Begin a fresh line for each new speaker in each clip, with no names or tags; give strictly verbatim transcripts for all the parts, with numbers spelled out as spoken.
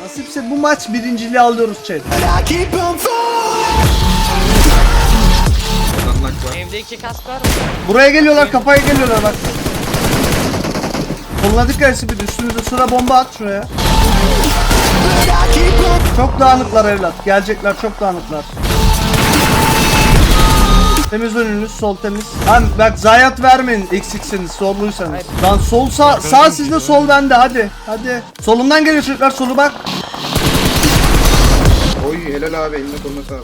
Nasipse bu maç birinciliği alıyoruz chat.
Evde iki kask var mı?
Buraya geliyorlar, kafaya geliyorlar bak. Koluna dikkat etsin, bir de üstümüze sıra bomba at şuraya. Çok dağınıklar evlat. Gelecekler, çok dağınıklar. Temiz önünüz, sol temiz. Lan bak zayiat vermeyin eksiksiniz, sorluysanız. Lan sol sağ, sağ sizde, sol bende, hadi. Hadi. Solumdan geliyor çocuklar, solu bak.
Oy helal abi, eline koluna sağlık.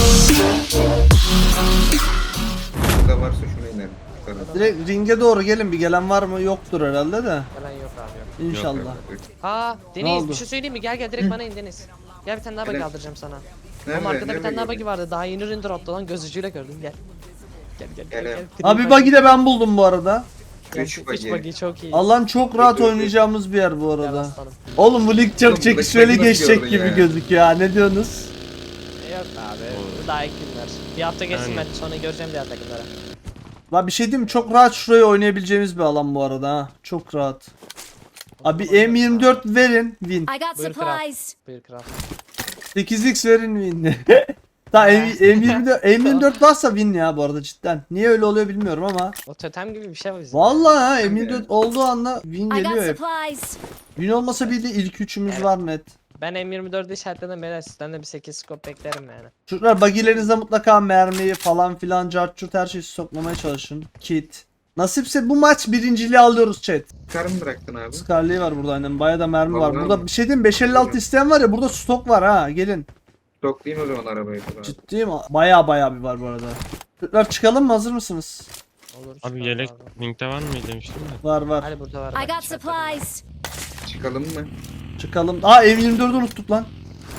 Burada varsa şuna inelim. Yukarı.
Direkt ringe doğru gelin, bir gelen var mı? Yoktur herhalde de.
Falan yok abi yok.
İnşallah.
Yok, yok, yok.
Aa
Ne
Deniz
oldu?
bir şey söyleyeyim mi? Gel gel direkt bana in Deniz. Gel bir tane daha bagi
Nereye?
aldıracağım sana.
Nerede?
Ama arkada bir
Nerede
tane daha
gördün?
bagi vardı. Daha yeni ürün droptu lan, göz ucuyla gördüm. Gel. Gel gel gel.
Gel,
gel.
gel.
Abi bug'i de ben buldum bu arada.
Gel,
Üç
üç
bagi.
bagi çok iyi.
Allah'ın çok rahat oynayacağımız bir yer bu
Gel
arada.
aslanım.
Oğlum bu lig
Oğlum,
çok çekişmeli
buradaki
geçecek
nasıl
gibi
gördün ya?
gözüküyor ha, ne diyorsunuz?
Yok abi. Daha ilk günler. Bir hafta geçsin ben sonra göreceğim diğer takımlara.
La bir şey diyeyim mi? Çok rahat şurayı oynayabileceğimiz bir alan bu arada ha. Çok rahat. Abi M yirmi dört verin win.
I got
Buyur kral.
supplies.
Buyur kral.
sekiz x verin win. Ta M yirmi dört, M yirmi dört varsa win ya bu arada cidden. Niye öyle oluyor bilmiyorum ama.
O totem gibi bir şey var bizim.
Vallahi ha M yirmi dört olduğu anda win
I got
geliyor hep.
supplies.
Win olmasa bir de ilk üçümüz var net.
Ben M yirmi dördü işaretledim beyler, sizden de bir sekiz scope beklerim yani.
Çocuklar bagilerinizde mutlaka mermiyi falan filan cartçut her şeyi sokmamaya çalışın. Kit. Nasipse bu maç birinciliği alıyoruz chat.
Kar mı bıraktın abi?
Scarlet'i var burada aynen. Bayağı da mermi var.
Vallahi
Burada
mi?
bir şey diyeyim mi? beş elli altı isteyen var ya, burada stok var ha. Gelin.
Stoklayayım o zaman arabayı falan.
Ciddiyim. Bayağı bayağı bir var bu arada. Çocuklar çıkalım mı? Hazır mısınız?
Olur.
Abi
çıkalım
yelek
abi.
linkte var mı demiştim de.
Var var.
Hadi burada var.
I
bak,
got
işaretledim.
supplies.
Çıkalım mı?
Çıkalım. Aa M yirmi dördü unuttuk lan.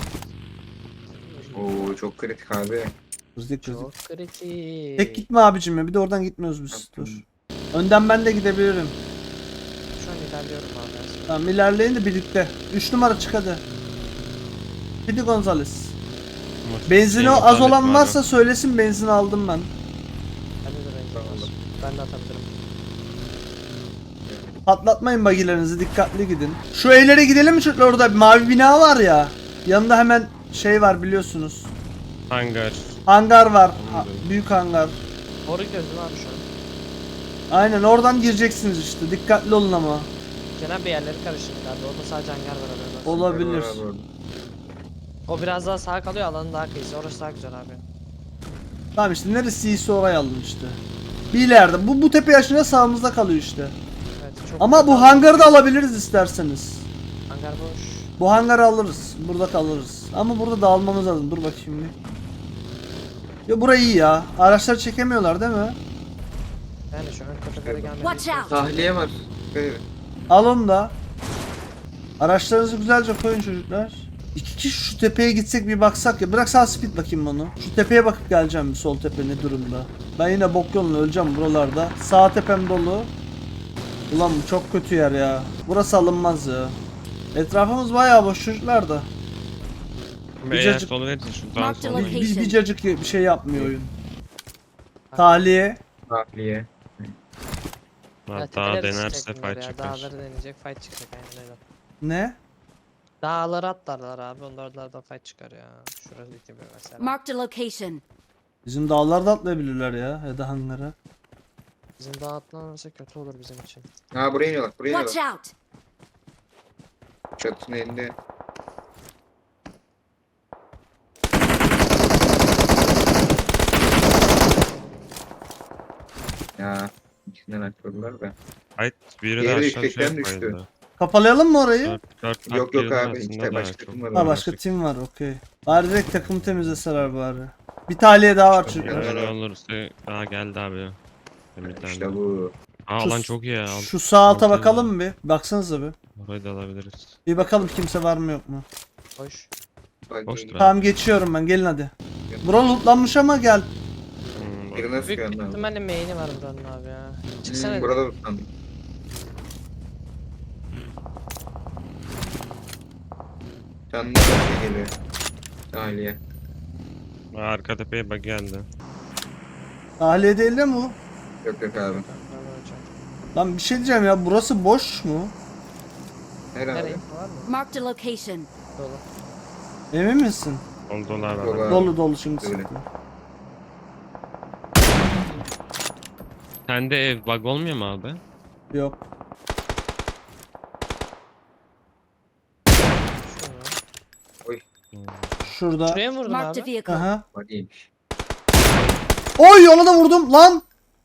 Oo çok kritik abi.
Kızdık kızdık.
Çok kritik.
Tek gitme abicim ya. Bir de oradan gitmiyoruz biz. Dur. Önden ben de gidebilirim.
Şu an ilerliyorum abi.
Tamam ilerleyin de birlikte. üç numara çık hadi. Pidi Gonzales. Benzini
Şey,
az olan
var
varsa söylesin, benzin aldım ben.
Ben de renk var. Ben de atabilirim.
Patlatmayın bagilerinizi, dikkatli gidin. Şu evlere gidelim mi çocuklar, orada bir mavi bina var ya. Yanında hemen şey var biliyorsunuz.
Hangar.
Hangar var. Ha, büyük hangar.
Doğru gözüm abi şu an.
Aynen oradan gireceksiniz işte. Dikkatli olun ama.
Genel bir yerleri karıştırdık abi. Orada sadece hangar var arada.
Olabilir.
Var abi orada.
O biraz daha sağa kalıyor, alanın daha kıyısı. Orası daha güzel abi.
Tamam işte neresi iyiyse orayı alın işte. Bir ileride. Bu, bu tepe yaşına sağımızda kalıyor işte.
Evet, çok
Ama
güzel
bu
abi.
hangarı da alabiliriz isterseniz.
Hangar boş.
Bu hangarı alırız. Burada kalırız. Ama burada dağılmamız lazım. Dur bakayım bir. Ya burayı iyi ya. Araçlar çekemiyorlar değil mi?
Yani şu an tepelere gelmedi.
Watch out.
Tahliye var. Dikkat edin.
Al onu da. Araçlarınızı güzelce koyun çocuklar. İki kişi şu tepeye gitsek bir baksak ya. Bırak sağ speed bakayım onu. Şu tepeye bakıp geleceğim bir, sol tepe ne durumda. Ben yine bok yoluna öleceğim buralarda. Sağ tepem dolu. Ulan bu çok kötü yer ya. Burası alınmaz ya. Etrafımız bayağı boş çocuklar da.
Beyaz
Cacık-
solu verirsin şuradan
Mark the
sonra.
Bir, bir,
location.
bir cacık bir şey yapmıyor oyun. Tahliye.
Tahliye.
Hatta denerse fight çıkar.
Dağları deneyecek, fight çıkacak aynen öyle.
Ne?
Dağları atlarlar abi, onlardan fight çıkar ya. Şurası gibi mesela.
Marked a location.
Bizim dağlarda atlayabilirler ya. Ya da hangara.
Bizim dağ atlanırsa kötü olur bizim için.
Ha buraya iniyorlar. Buraya
Watch
iniyorlar.
out.
Çatının elinde. Ya içinden atladılar da.
Fight biri de
Diğeri
aşağı
yüksekten
düşüyor
düştü.
kaydı.
Kapalayalım mı orayı?
Dört- dört
Yok
farklı
yok
yerin
abi
arasında
işte
da
başka
çok-
kim var
Ha
orada?
başka tim var, okey. Bari direkt takım temizleseler bari. Bir tahliye daha var çocuklar.
Öyle olursa daha geldi abi. Bir tane
İşte
daha.
bu.
Aa
Şu-
alan çok iyi ya.
Şu sağ alta
Altı-
bakalım mı bir? Baksanıza bir.
Orayı da alabiliriz.
Bir bakalım kimse var mı yok mu?
Hoş.
Bak,
Boştu be.
Tamam geçiyorum ben, gelin hadi. Bura lootlanmış ama gel.
Hmm, bak.
Birine
Büyük
sıkıyor
bir
abi.
ihtimalle main'i var buranın abi ya. Çıksana.
Hmm, burada tutandım. Canlı bir şey geliyor. Tahliye.
Aa, arka tepeye bak geldi.
Tahliye değil de mi bu?
Yok yok abi.
Lan bir şey diyeceğim ya, burası boş mu?
Nerede abi?
Nereye var mı?
Marked a location.
Dolu.
Emin misin?
Dolu dolu abi.
Dolu.
adam.
Dolu dolu şimdi
Öyle.
sıktı.
Sende ev bug olmuyor mu abi?
Yok.
Şunu.
Şurada.
Şuraya mı vurdun
Marked a
abi?
vehicle.
Aha.
Bak iyiymiş.
Oy ona da vurdum lan.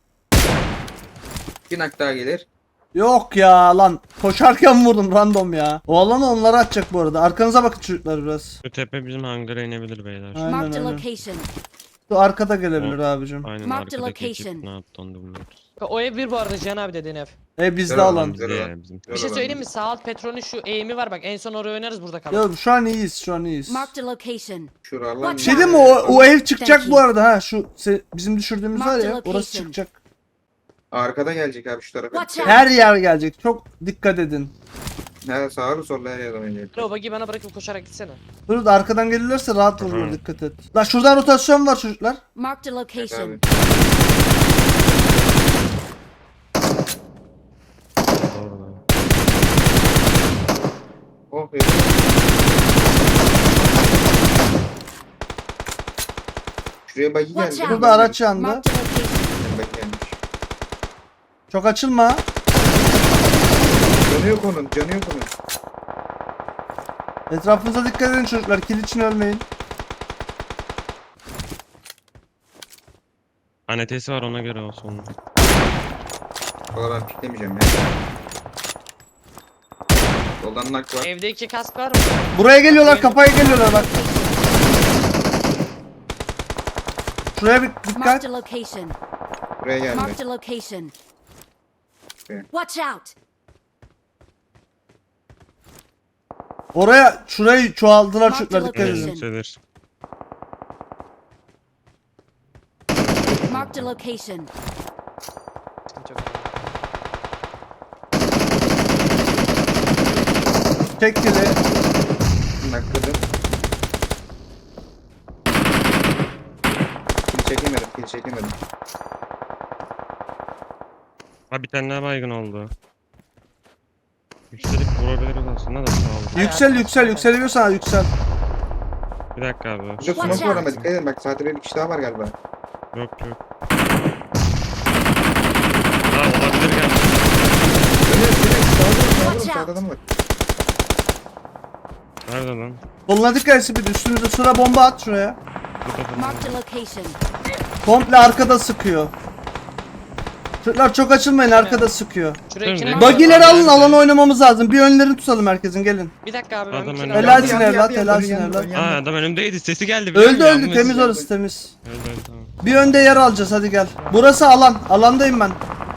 Bir nak daha gelir.
Yok ya lan. Koşarken vurdum random ya. O alanı onlara atacak bu arada. Arkanıza bakın çocuklar biraz.
Bu tepe bizim hangara inebilir beyler.
Aynen
Marked a
aynen.
location.
Şu arkada gelebilir abicim.
Aynen
Marked
arkadaki
location.
ekip ne yaptı onu da bilmiyoruz.
O ev bir bu arada Cihan abi dediğin ev.
E bizde
Güzel
alan.
Güzel
Bizde
olan.
ya bizim.
Bir şey
Öyle
söyleyeyim mi?
ben-
Sağ alt Petro'nun şu eğimi var bak. En son oraya oynarız burada kalalım.
Ya şu an iyiyiz şu an iyiyiz.
Marked a location.
Şuralar.
Bir şey değil mi o, o ev çıkacak
Thank
bu
you.
arada ha şu se- bizim düşürdüğümüz var
Marked
ya
location.
orası çıkacak.
Arkada gelecek abi şu tarafa.
Watch out.
Her yer gelecek çok dikkat edin.
He sağlı sollu her yerden oynayacak.
O bagi bana bırakıp koşarak gitsene.
Dur da arkadan gelirlerse rahat vurur
Hı.
dikkat et. Lan şuradan rotasyon var çocuklar.
Marked a
Evet
location.
abi.
Doğru.
Oh evet. Şuraya bagi
Watch
geldi.
out.
Burada araç yandı.
Marked a location.
Bagi gelmiş.
Çok açılma.
Canı yok onun. Canı yok onun.
Etrafınıza dikkat edin çocuklar. Kill için ölmeyin.
Anetesi var ona göre olsun. onun.
Valla ben piklemeyeceğim ya. Soldan nak var.
Evde iki kask var mı?
Buraya geliyorlar kafaya geliyorlar bak. Şuraya bir dikkat.
Marked a location.
Buraya geldi.
Marked a location.
Okay.
Watch out.
Oraya şurayı çoğaldılar
Mark
çocuklar
the
dikkat
Evet,
edin.
location.
yükselir.
Marked a location.
Sıkıntı yok.
Tek kili.
Nakladım. Kill çekemedim. Kill çekemedim.
Ha bir tane daha baygın oldu. Yükselip vurabiliriz aslında da sağ olun.
Yüksel yüksel yükseliyorsan yüksel.
Bir dakika abi.
Burada
Watch
smoke var ama
out.
dikkat edin. Bak saatte bir kişi daha var galiba.
Yok yok. Ha olabilir galiba.
Dönüyor dönüyor. Sağda var.
Watch
Sağda var.
out.
Sağda adam var.
Nerede lan?
Soluna dikkat etsin bir de üstünüze sıra bomba at şuraya.
Burada falan.
Marked a location.
Komple arkada sıkıyor. Çocuklar çok açılmayın arkada sıkıyor.
Şuraya
Hı,
ikine
ne?
bak.
Bagileri alın
Nerede?
alan oynamamız lazım. Bir önlerini tutalım herkesin gelin.
Bir dakika abi ben
Adam
bir
önümde.
kenara-
Helalsin
Yandı,
evlat
yandı,
helalsin
yandı,
evlat.
yandı,
Aa
yandı.
adam önümdeydi sesi geldi. biliyor
Öldü
musun?
öldü
Yanlış.
temiz orası temiz.
Öldü öldü tamam.
Bir önde yer alacağız hadi gel. Burası alan. Alandayım ben.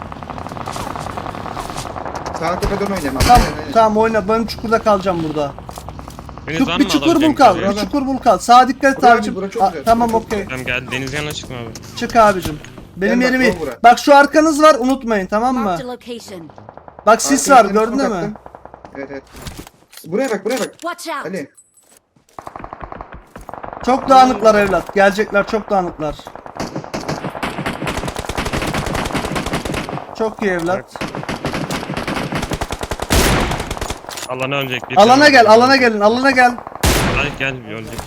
Sağ tepeden oynayalım.
Tamam
Aynen, aynen.
tamam oyna. Ben çukurda kalacağım burada.
Deniz
Çuk,
var
bir
mı
çukur bul
alabileceğim
kal.
şuraya?
Bir çukur bul kal. Sağa dikkat et
Bura abi,
abicim.
bura çok
Aa,
güzel,
tamam
bura çok
okey.
Tamam gel deniz yanına çıkma abi.
Çık abicim. Benim
Gel bak,
yerim iyi.
bul bura.
Bak şu arkanız var unutmayın tamam
Marked a
mı?
location.
Bak sis var
Arkaya
gördün
smoke
mü?
attım. Evet evet. Buraya bak buraya bak.
Watch out.
Ali.
Çok dağınıklar evlat. Gelecekler çok dağınıklar. Çok iyi evlat.
Alana ölecek. bir
Alana
tane
gel,
var.
alana gelin, alana gel.
Hadi gel ölecek.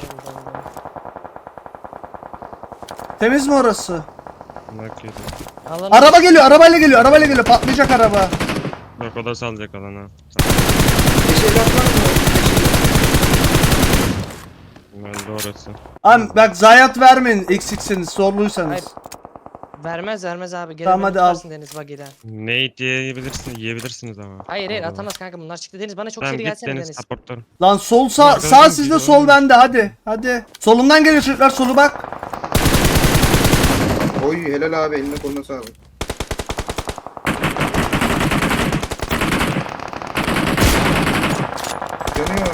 Temiz mi orası?
Bak yedi.
Alanı-
Araba geliyor, arabayla geliyor, arabayla geliyor. Patlayacak araba.
Yok o da salacak alana.
Beş elli atlar mı?
Öldü orası.
Abi bak zayiat vermeyin eksikseniz, zorluysanız.
Hayır. Vermez vermez abi. Geri
Tamam,
beni
hadi al.
tutarsın Deniz Bagi'den.
Nate yiyebilirsin, yiyebilirsiniz ama.
Hayır hayır
Orada.
atamaz kanka bunlar çıktı Deniz bana çok
Tamam
seri
git
gelsene
Deniz
Deniz.
supportlarım.
Lan sol sağ,
Arkadan
sağ
kim
sizde
gidiyor,
sol
oğlum?
bende hadi. Hadi. Solumdan geliyor çocuklar solu bak.
Oy helal abi eline koluna sağlık. Yanıyor.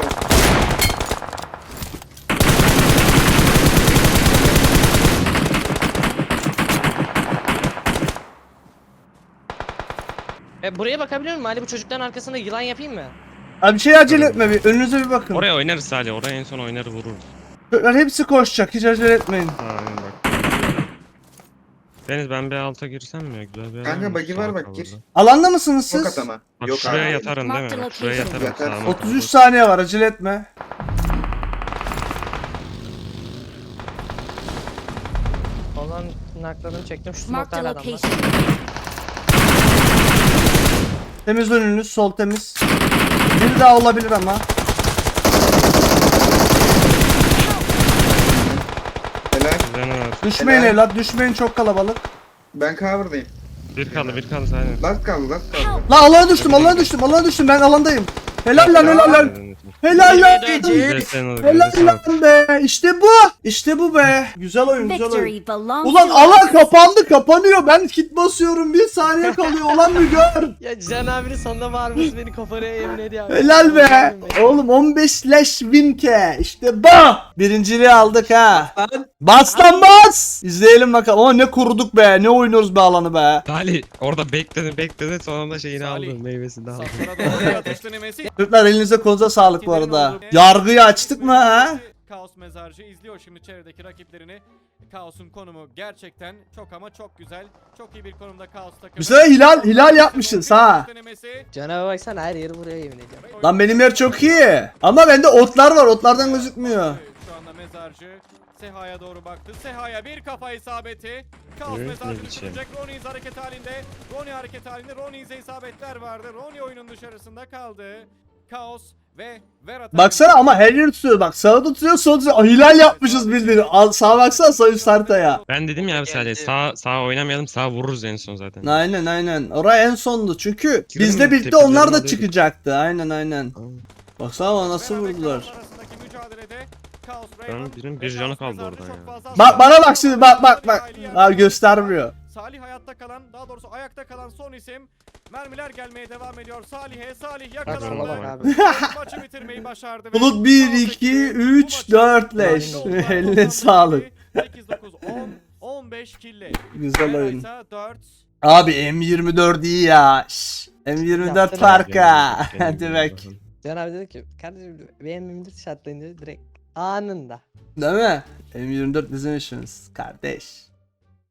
E, buraya bakabiliyor muyum? Ali bu çocukların arkasında yılan yapayım mı?
Abi bir şey acele etme bir önünüze bir bakın.
Oraya oynarız sadece. Oraya en son oynar vururuz.
Çocuklar hepsi koşacak hiç acele etmeyin.
Aynen bak. Deniz ben bir alta girsem mi ya? Güzel bir yer
Kanka
mi?
bagi var
Sağ
bak
kal
gir.
burada.
Alanda mısınız
Çok
siz?
at ama.
Bak
Yok
şuraya
abi.
yatarın değil
Mark
mi?
the
Bak şuraya
location.
yatarım
Yatar.
sağıma.
otuz üç saniye var acele etme.
Onların naklarını çektim. Şu
Marked
smoke'ta
a
hala adam var.
location.
Temiz önünüz, sol temiz. Bir daha olabilir ama.
Helal.
Canı var.
Düşmeyin
Helal.
evlat, düşmeyin, çok kalabalık.
Ben cover'dayım.
Bir kaldı bir kaldı aynen.
Last kaldı last kaldı.
Lan alana düştüm, alana düştüm, alana düştüm, ben alandayım. Helal lan, helal lan. Helal lan. Helal lan be. İşte bu. İşte bu be. Güzel oyun, güzel oyun.
Victory belongs
Ulan
to
alan
us.
kapandı, kapanıyor. Ben kit basıyorum, bir saniye kalıyor. Ulan mı gör.
Ya Can abinin sonunda varmış beni kafanaya yemin ediyor.
Helal be. Oğlum on beş slash win ke. İşte bu. Birinciliği aldık ha. Bas lan bas. İzleyelim bakalım. Ama ne kuruduk be. Ne oynuyoruz be alanı be.
Salih orada bekledi bekledi sonunda şeyini
Salih.
aldı meyvesini de aldı.
Saflara doğru bir atış denemesi.
Çocuklar elinize kolunuza sağlık bu arada. Yargıyı açtık mı ha?
Kaos mezarcı izliyor şimdi çevredeki rakiplerini. Kaos'un konumu gerçekten çok ama çok güzel. Çok iyi bir konumda Kaos takımı.
Bir sene hilal hilal yapmışız ha.
Denemesi.
Can abi baksana her yeri buraya yemin ediyorum.
Lan benim yer çok iyi. Ama bende otlar var. Otlardan gözükmüyor.
Şu anda mezarcı Seha'ya doğru baktı. Seha'ya bir kafa isabeti. Kaos
Evet,
mezarcı
ne biçim.
düşürecek. Roniz hareket halinde. Roni hareket halinde. Roniz'e isabetler vardı. Roni oyunun dışarısında kaldı. Kaos ve Vera
Baksana ama her yeri tutuyor. Bak sağa tutuyor, sola tutuyor. Aa, hilal yapmışız bildiğini. Al, sağa baksana, sağ üst haritaya.
Ben dedim ya abi Salih sağ sağ oynamayalım sağ vururuz en son zaten.
Aynen aynen. Oraya en sondu çünkü
Girelim
bizle
mi?
birlikte
Tepkilerini
onlar da
alıyorduk.
çıkacaktı. Aynen aynen. Baksana ama nasıl
Vera ve
vurdular.
Kaos arasındaki mücadelede Kaos
Ben
Rayman
birinin
ve
bir canı
Kaos
kaldı
mezarcı
orada
çok
ya.
fazla
Bak bana
hasar
bak şimdi, bak bak bak. Abi göstermiyor.
Salih hayatta kalan, daha doğrusu ayakta kalan son isim. Mermiler gelmeye devam ediyor. Salih'e, Salih
Bak sola
yakalandı.
bak abi.
Maçı bitirmeyi başardı. ve
Bulut bir,
Kaos
iki,
ekibi bu
üç,
maçı
dört leş.
Toplam
Eline
toplam
sağlık.
sekiz, dokuz, on, on beş kille.
Güzel oyun.
Veraysa dört.
Abi M yirmi dört iyi ya. Şş, M yirmi dört
Yaptın
farka. Hadi bak.
Can abi dedi ki kardeşim benim M dört şartlayınca direkt anında.
Değil mi? M yirmi dört bizim işimiz kardeş.